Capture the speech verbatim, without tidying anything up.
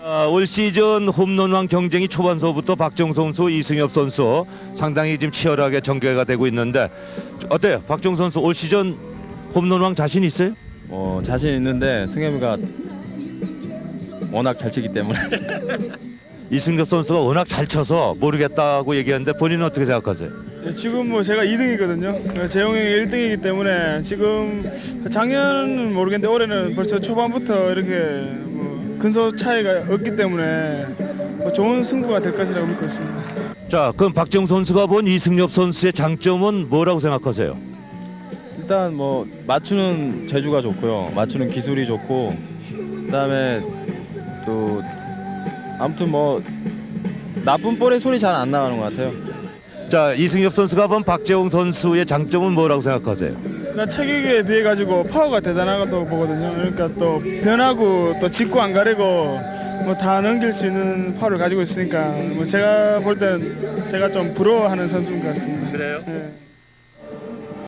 아, 올 시즌 홈런왕 경쟁이 초반서부터 박정 선수, 이승엽 선수 상당히 지금 치열하게 전개가 되고 있는데 어때요? 박정 선수 올 시즌 홈런왕 자신 있어요? 어, 자신 있는데 승엽이가 워낙 잘 치기 때문에 이승엽 선수가 워낙 잘 쳐서 모르겠다고 얘기하는데 본인은 어떻게 생각하세요? 네, 지금 뭐 제가 이 등이거든요. 재홍이 일 등이기 때문에 지금 작년은 모르겠는데 올해는 벌써 초반부터 이렇게 뭐 근소 차이가 없기 때문에 뭐 좋은 승부가 될 것이라고 믿고 있습니다. 자, 그럼 박정 선수가 본 이승엽 선수의 장점은 뭐라고 생각하세요? 일단 뭐 맞추는 재주가 좋고요. 맞추는 기술이 좋고 그다음에 또 아무튼 뭐 나쁜 볼의 소리 잘 안 나가는 것 같아요. 자, 이승엽 선수가 본 박재홍 선수의 장점은 뭐라고 생각하세요? 나 체격에 비해 가지고 파워가 대단하다고 보거든요. 그러니까 또 변하고 또 짚고 안 가리고 뭐 다 넘길 수 있는 파워를 가지고 있으니까 뭐 제가 볼 때는 제가 좀 부러워하는 선수인 것 같습니다. 그래요? 네.